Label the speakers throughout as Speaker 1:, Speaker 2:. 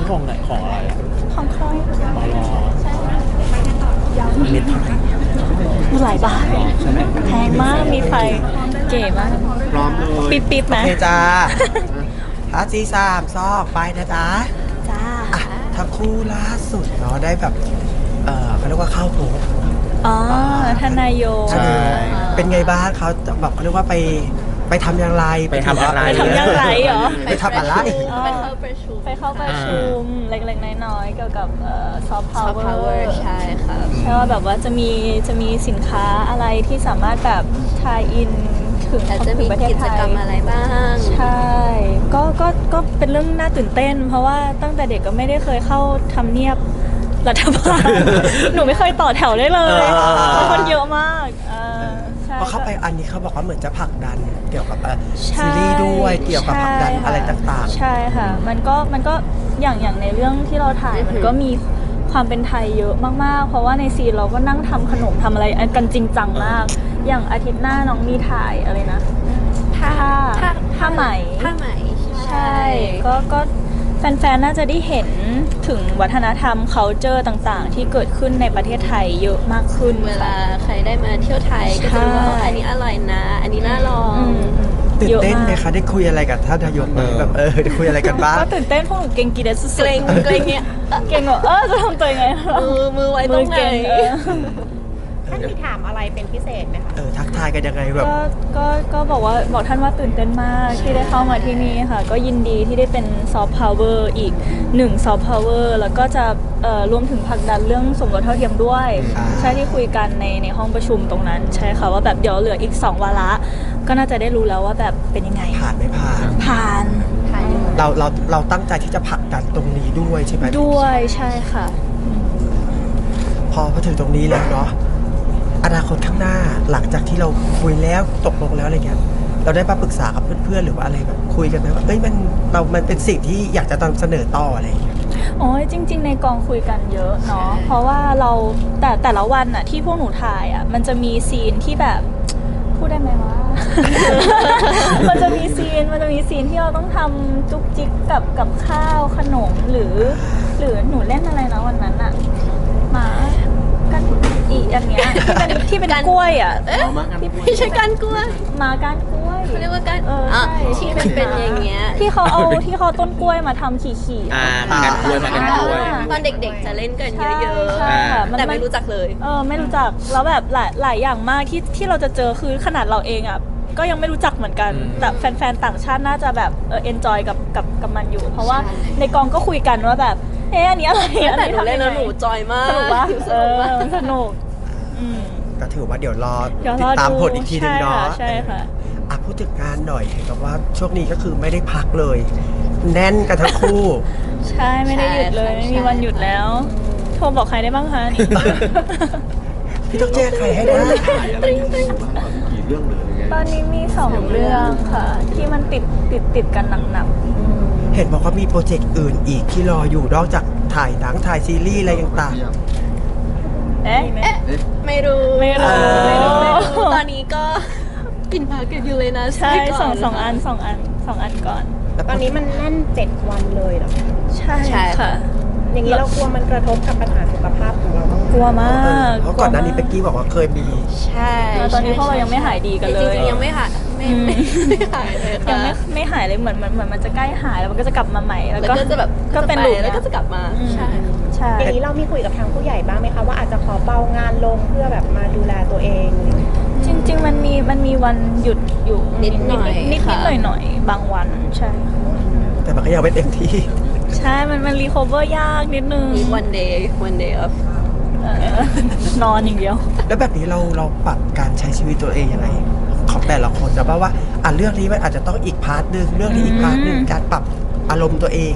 Speaker 1: ของไหนของอะไรอะ
Speaker 2: ของใคร
Speaker 1: ปลอ
Speaker 2: ใช่
Speaker 1: เม็ดไทย
Speaker 2: หลายบาท
Speaker 1: ใช่ไหม
Speaker 2: แพงมากมีไฟเก๋มาก
Speaker 1: พร้อมเลย
Speaker 2: ปิ๊บๆ
Speaker 3: โอ
Speaker 2: นะ
Speaker 3: เคจ้าท้าจีสามซอกไปนะจ๊ะ
Speaker 2: จ้า
Speaker 3: อ่ะทั้งคู่ล่าสุดเนาะได้แบบเขาเรียกว่าเข้าโพส
Speaker 2: อ๋อทนายโย
Speaker 1: ใช่
Speaker 3: เป็นไงบ้างเขาแบบเขาเรียกว่าไปทำอย่างไร
Speaker 1: ไปทำอะไร
Speaker 2: ไปทำอย่างไรเหรอ
Speaker 3: ไปทำอะไร
Speaker 4: ไปเข้าประชุม
Speaker 2: ไปเข้าประชุมเล็กๆน้อยๆเกี่ยวกับซอฟต์พาว
Speaker 4: Soft
Speaker 2: เวอ
Speaker 4: Power
Speaker 2: ร์
Speaker 4: ใช่ค่ะ
Speaker 2: ใช่ว่าแบบว่าจะมีสินค้าอะไรที่สามารถแบบทายอินถึง
Speaker 4: แต่จะ
Speaker 2: ถึ
Speaker 4: มี
Speaker 2: งประเทศ
Speaker 4: กิ
Speaker 2: ไท
Speaker 4: จ
Speaker 2: ย
Speaker 4: กรรมอะไรบ้าง
Speaker 2: ใช่ก็เป็นเรื่องน่าตื่นเต้น เพราะว่าตั้งแต่เด็กก็ไม่ได้เคยเข้าทำเนียบรัฐบาล หนูไม่เคยต่อแถวได้เลยเพราะคนเยอะมากใช่
Speaker 3: พอเข้าไปอันนี้เขาบอกว่าเหมือนจะผลักดันเกี่ยวกับ
Speaker 2: ใช่
Speaker 3: ซีรีส์ด้วยเกี่ยวกับผลักดัน
Speaker 2: ใช่ค่ะ
Speaker 3: อะไรต่างๆ
Speaker 2: ใช่ค่ะมันก็อย่างในเรื่องที่เราถ่ายมันก็มีความเป็นไทยเยอะมากๆ เพราะว่าในซีนเราก็นั่งทำขนมทำอะไรกันจริงจังมาก อย่างอาทิตย์หน้าน้องมีถ่ายอะไรนะผ้าไหม
Speaker 4: ผ้าไหม
Speaker 2: ใช่ก็แฟนๆ น่าจะได้เห็นถึงวัฒนธรรม culture ต่างๆ ที่เกิดขึ้นในประเทศไทยเยอะมากขึ้น
Speaker 4: เวลาใครได้มาเที่ยวไทยก็จะรู้ว่าอันนี้อร่อยนะ อันนี้น่าลอง
Speaker 3: ตื่นเต้นไหม
Speaker 2: ยอะาก
Speaker 3: คะได้คุยอะไรกับท่านนายกไหมแบบได้คุยอะไรกันบ้าง
Speaker 2: ก็ตื่นเต้นพวกหนูเก่งกีเดสสุดๆ
Speaker 4: เกรงเนี่ย
Speaker 2: เก่งแบบจะทำตัวยังไง
Speaker 4: มือไว้ตรงไหน
Speaker 2: เก่ง
Speaker 5: ท่านมีถามอะไรเป็นพิเศษไหมคะ
Speaker 3: ทักทายกันยังไงแบบ
Speaker 2: ก็บอกท่านว่าตื่นเต้นมากที่ได้เข้ามาที่นี่ค่ะ ก็ยินดีที่ได้เป็นซอฟต์พาวเวอร์อีก1ซอฟต์พาวเวอร์แล้วก็จะรวมถึงผลักดันเรื่องสมรสเท่าเทียมด้วย ใช่ที่คุยกันในห้องประชุมตรงนั้น ใช่ค่ะว่าแบบเดี๋ยวเหลืออีก2วาระก็น่าจะได้รู้แล้วว่าแบบเป็นยังไง
Speaker 3: ผ่านไม่ผ่าน
Speaker 2: ผ่าน
Speaker 3: เราตั้งใจที่จะผลักดันตรงนี้ด้วยใช่ไหม
Speaker 2: ด้วยใช่ค่ะ
Speaker 3: พอถึงตรงนี้แล้วเนาะอนาคตข้างหน้าหลังจากที่เราคุยแล้วตกลงแล้วอะไรเงี้ยเราได้มาปรึกษากับเพื่อนๆหรือว่าอะไรแบบคุยกันไหมว่ามันเป็นสิ่งที่อยากจะนำเสนอต่ออะไรอย่างเงี้ย
Speaker 2: โอ้ยจริง ๆ ในกองคุยกันเยอะเนาะเพราะว่าเราแต่ละวันอะที่พวกหนูถ่ายอะมันจะมีซีนที่แบบพูดได้ไหมว่า มันจะมีซีนที่เราต้องทำจุกจิกกับข้าวขนมหรือหนูเล่นอะไรนะวันนั้นอะหมากันอีอันเนี้ยที่เป็นกล้วยอะ
Speaker 4: ไม่ใช่การกล้วย
Speaker 2: หมาก้านกล้วย
Speaker 4: เขาเรียกว่าการ
Speaker 2: ใช่
Speaker 4: ที่มันเป็นอย่างเงี้ย
Speaker 2: ที่เขาเอาต้นกล้วยมาทำขี่ๆ
Speaker 1: มากันกล้วยมากันกล้วย
Speaker 4: ตอนเด็กๆจะเล่นกันเยอะ
Speaker 2: ใช่ค่ะ
Speaker 4: ๆ แต่ไม่รู้จักเลย
Speaker 2: ไม่รู้จักแล้วแบบหลายอย่างมากที่เราจะเจอคือขนาดเราเองอ่ะก็ยังไม่รู้จักเหมือนกัน แต่แฟนๆต่างชาติน่าจะแบบenjoy กับมันอยู่ เพราะว่าในกองก็คุยกันว่าแบบอันนี้อะไรอัน
Speaker 4: แต่
Speaker 2: นี้
Speaker 4: หนูเล่นแล้วหนู
Speaker 2: ทำยังไง
Speaker 4: จอยมาก
Speaker 2: สนุกปะ
Speaker 4: สนุกมาก
Speaker 2: สนุก
Speaker 3: ก็ถือว่าเดี๋ยวรอ
Speaker 2: เดี๋ยว
Speaker 3: ติ
Speaker 2: ร
Speaker 3: ด
Speaker 2: อ
Speaker 3: ตาม
Speaker 2: ดู
Speaker 3: ผลอีกทีหนึงเนาะ
Speaker 2: ใช่ค่ะ
Speaker 3: พูดถึงงานหน่อยเห็นบอกว่าช่วงนี้ก็คือไม่ได้พักเลย แน่นกันทั้งคู่
Speaker 2: ใช่ไม่ได้หยุดเลย
Speaker 4: ใช่
Speaker 2: ไม่มีวันหยุดแล้ว โทรบอกใครได้บ้างคะนี่
Speaker 3: พี่ต้องแจ้งใครให้ได้
Speaker 1: ถ่ายอะไรอยู่บ้างกี่เรื่องเลยไง
Speaker 2: ตอนนี้มี2เรื่องค่ะ ที่มันติดกันหนัก
Speaker 3: เห็นบอกว่ามีโปรเจกต์อื่นอีกที่รออยู่นอกจากถ่ายหนังถ่ายซีรีส์อะไรต่าง
Speaker 2: ๆเอ๊ะ
Speaker 4: ไม่รู้
Speaker 2: ไม่รู้
Speaker 4: ตอนนี้ก็กินพาเก็ตอยู่เลยนะ
Speaker 2: ใช่
Speaker 4: ก่
Speaker 2: สองอันก่อน
Speaker 3: ๆแล้ว
Speaker 5: ตอนนี้มันแน่น7 วันเลยเหรอ
Speaker 2: ใช่ค่ะ
Speaker 5: อย่างนี้เรากลัวมันกระทบกับปัญหาสุขภาพของเราบ้างไหม
Speaker 2: กลัวมาก
Speaker 3: เพราะก่อนหน้านี้เป๊กกี้บอกว่าเคยมี
Speaker 4: ใช่
Speaker 2: แล้วตอนนี้พวกเรายังไม่หายดีกันเลย
Speaker 4: จริงๆยังไม่หายไม่หายเลย
Speaker 2: ยัง
Speaker 4: ค่ะ
Speaker 2: ไม่หายเลยเหมือนมันจะใกล้หายแล้วมันก็จะกลับมาใหม่แล้ว
Speaker 4: แล้ว
Speaker 2: ก็
Speaker 4: ก็จะแบบ
Speaker 2: ก็เป็น
Speaker 4: ไป
Speaker 2: ลูป
Speaker 4: แล้วก็จะกลับมา ใช่
Speaker 2: ใช่
Speaker 5: อย่างนี้เรามีคุยกับทางผู้ใหญ่บ้างไหมคะว่าอาจจะขอเบางานลงเพื่อแบบมาดูแลตัวเอง
Speaker 2: จริง ๆ มันมีวันหยุดอยู่
Speaker 4: นิดหน่อย
Speaker 2: นิด
Speaker 4: ค่ะ
Speaker 2: หน่อยบางวันใช่ค่ะ
Speaker 3: แต่มันก็ยังไม่เต็มที่
Speaker 2: ใช่มันรีคอเวอร์ยากนิดนึง
Speaker 4: มี one day off
Speaker 2: นอนอย่างเดียว
Speaker 3: แล้วแบบนี้เราปรับการใช้ชีวิตตัวเองยังไงของแต่ละคนนะเพราะว่าเรื่องนี้มันอาจจะต้องอีกพาร์ทหนึ่งเรื่องนี้อีกพาร์ทหนึ่งการปรับอารมณ์ตัวเอง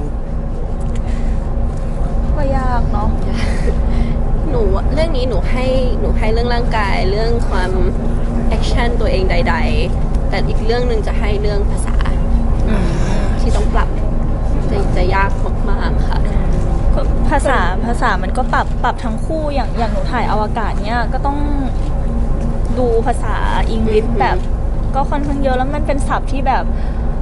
Speaker 2: ก็ยากเนาะ
Speaker 4: หนูเรื่องนี้หนูให้เรื่องร่างกายเรื่องความแอคชั่นตัวเองใด ๆ แต่อีกเรื่องหนึ่งจะให้เรื่องภาษาที่ต้องปรับจะยากมากๆค่ะ
Speaker 2: ภาษามันก็ปรับทั้งคู่อย่างหนูถ่ายอวกาศเนี่ยก็ต้องดูภาษาอังกฤษแบบก็ค่อนข้างเยอะแล้วมันเป็นศัพท์ที่แบบ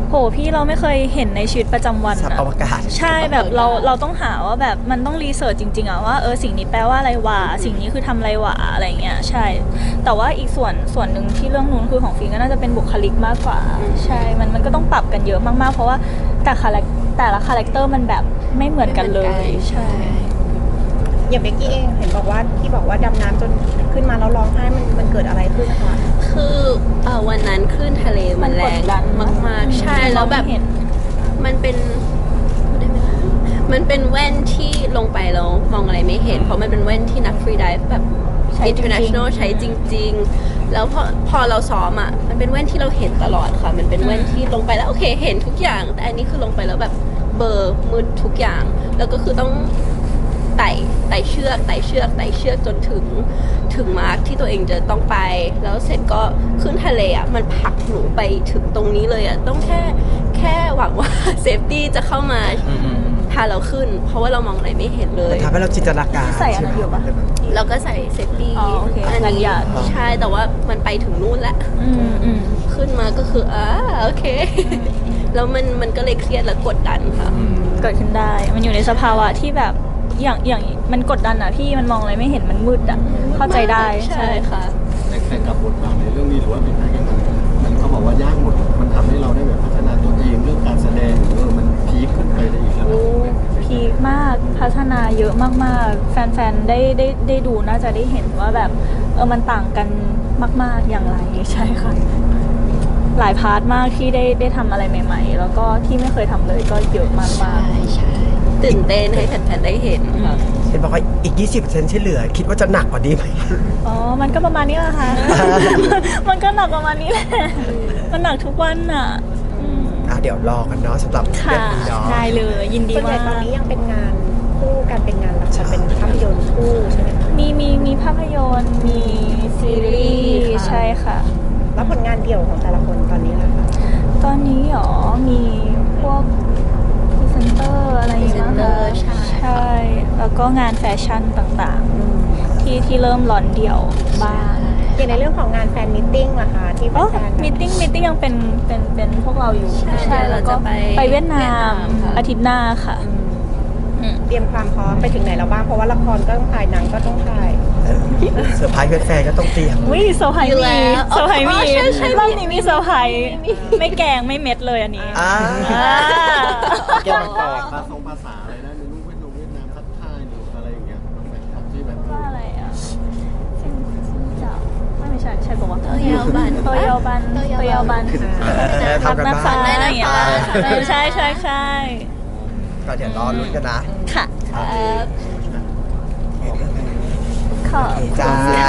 Speaker 2: โหพี่เราไม่เคยเห็นในชีวิตประจำวัน
Speaker 3: สัตว์อวกาศ
Speaker 2: ใช่แบบเราต้องหาว่าแบบมันต้องรีเสิร์ชจริงๆอะว่าสิ่งนี้แปลว่าอะไรวะสิ่งนี้คือทำอะไรวะอะไรเงี้ยใช่ แต่ว่าอีกส่วนหนึ่งที่เรื่องนู้นคือของฟิล์มก็น่าจะเป็นบุคลิกมากกว่าใช่มันก็ต้องปรับกันเยอะมากๆเพราะว่าแต่ละคาแรคเตอร์มันแบบไม่เหมือนกันเลยใช่
Speaker 5: อย่างเบกกี้เองเห็นบอกว่าที่บอกว่าดำน้ำจนขึ้นมาแล้วร้องไห้มันเกิดอะไรขึ้นนะคะ
Speaker 4: คือวันนั้นคลื่นทะเลมันแรง
Speaker 2: มันกดดัน
Speaker 4: มากๆ ใช่แล้วแบบ
Speaker 2: เห็น
Speaker 4: มันเป็นพูดได้ไหมล่ะมันเป็นแว่นที่ลงไปแล้วมองอะไรไม่เห็น เพราะมันเป็นแว่นที่นักฟรีไดิฟแบบ
Speaker 2: ใช้จริงๆ
Speaker 4: international ใช้จริง ๆ แล้วพอเราซ้อมอ่ะมันเป็นแว่นที่เราเห็นตลอดค่ะ มันเป็นแว่นที่ลงไปแล้วโอเคเห็นทุกอย่าง แต่อันนี้คือลงไปแล้วแบบเบลอร์มืดทุกอย่าง แล้วก็คือต้องไต่เชือกจนถึงมาร์คที่ตัวเองจะต้องไป แล้วเสร็จก็ขึ้นทะเลอ่ะมันผลักหนูไปถึงตรงนี้เลยอ่ะต้องแค่หวังว่าเซฟตี้จะเข้ามาพาเราขึ้น เพราะว่าเรามองอะไรไม่เห็นเลย
Speaker 3: ทำให้เราจินตนาการ
Speaker 2: ใส่อันนั้นอยู่ปะ
Speaker 4: เราก็ใส่เซฟตี้
Speaker 2: อ๋อโอเค
Speaker 4: อัน
Speaker 2: กัน
Speaker 4: นี้
Speaker 2: หยาด
Speaker 4: ใช่แต่ว่ามันไปถึงนู่นแล้ว
Speaker 2: อืม
Speaker 4: ขึ้นมาก็คือโอเค แล้วมันก็เลยเครียดและกดดันค่ะ
Speaker 2: เกิดขึ้นได้ มันอยู่ในสภาวะที่แบบอย่างมันกดดันอะพี่มันมองอะไรไม่เห็นมันมืดอะเข้าใจได้
Speaker 4: ใช่ค่ะ
Speaker 1: แต่กับบทบาทในเรื่องนี้หรือว่าเป็นอะไรกันมันเขาบอกว่ายากหมดมันทำให้เราได้แบบพัฒนาตัวเองเรื่องการแสดงมันพีคขึ้นไปได้อีกแล้ว
Speaker 2: พีคมากพัฒนาเยอะมากๆ แฟนๆได้ดูน่าจะได้เห็นว่าแบบมันต่างกันมากๆอย่างไรใช่ค่ะ หลายพาร์ทมากที่ได้ทำอะไรใหม่ๆ แล้วก็ที่ไม่เคยทำเลยก็เยอะมากๆ
Speaker 4: ใช่ตื่นเต้นให้แฟนๆได้เห็นค่ะ
Speaker 3: เห็นบอกว่าอีก 20%ที่เหลือ คิดว่าจะหนักกว่านี้ไหม
Speaker 2: อ๋อ มันก็ประมาณนี้แหละค่ะ มันก็หนักประมาณนี้แหละ มันหนักทุกวันอ่ะอืม
Speaker 3: เดี๋ยวรอกันเนาะสำหรับเรื่
Speaker 2: ค่ะ
Speaker 3: องนี้เนาะ
Speaker 2: ได้เลยยินดี
Speaker 5: ส่วนใหญ่
Speaker 2: มาก
Speaker 5: ตอนนี้ยังเป็นงานคู่กันเป็นงานละครเป็นภาพยนตร์คู่ใช่ไหมคะ
Speaker 2: มีภาพยนตร์ มีซีรีส์ใช่ค่ะ
Speaker 5: แล้วผลงานเดี่ยวของแต่ละคนตอนนี้ล่ะคะ
Speaker 2: ตอนนี้หรอ มีพวกพรีเซนเตอร์อะไรอย่างเงี้ย
Speaker 4: Presenter
Speaker 2: ค่ะ
Speaker 4: ใช่
Speaker 2: ใช่ แล้วก็งานแฟชั่นต่างๆ ที่เริ่มร้อนเดี่ยวบ้าง
Speaker 5: อย่างในเรื่องของงานแฟนมิทติ้งล่ะคะที่
Speaker 2: อ๋อ
Speaker 5: แฟนๆ
Speaker 2: มิทติ้งยังเป็นพวกเราอยู่
Speaker 4: ใช่
Speaker 2: แล้วก็
Speaker 4: เราจะไป
Speaker 2: ไปเวียดนาม
Speaker 4: ค่ะ
Speaker 2: อาทิตย์หน้าค่ะอืม
Speaker 5: เตรียมความพร้อมไปถึงไหนแล้วบ้างเพราะว่าละครก็ต้องถ่ายหนังก็ต้องถ่าย
Speaker 3: เซอร์ไพรส์แฟนๆก็ต้องเตรียม
Speaker 2: วิเซอร์ไพรส์
Speaker 4: อยู่
Speaker 2: มี
Speaker 4: แล้ว
Speaker 2: เซอร์ไพรส์มี
Speaker 4: ใช่
Speaker 2: รอบนี้มีเซอร์ไพรส์ไม่แกงไม่เม็ดเลยอันนี้
Speaker 3: อ่า
Speaker 1: แก้มังกรภาษาอะไรนะในรูปเวียดนามทักทายหรืออะไรอย่างเงี้ยแบบที่แบบ
Speaker 2: ว่าอะไรอ่ะซินเจ้าไม่ใช่ปะวะ
Speaker 4: โตเยาบัน
Speaker 2: โตเยาบัน
Speaker 3: ทำกัน
Speaker 2: นั
Speaker 3: บ้าน
Speaker 2: ฟ้าอย่างเงี้ยใช่
Speaker 3: ก็เดี๋ยวรอลุ้นกันนะ
Speaker 2: ค่ะ
Speaker 3: โอเค
Speaker 2: ขอบ
Speaker 3: จ้า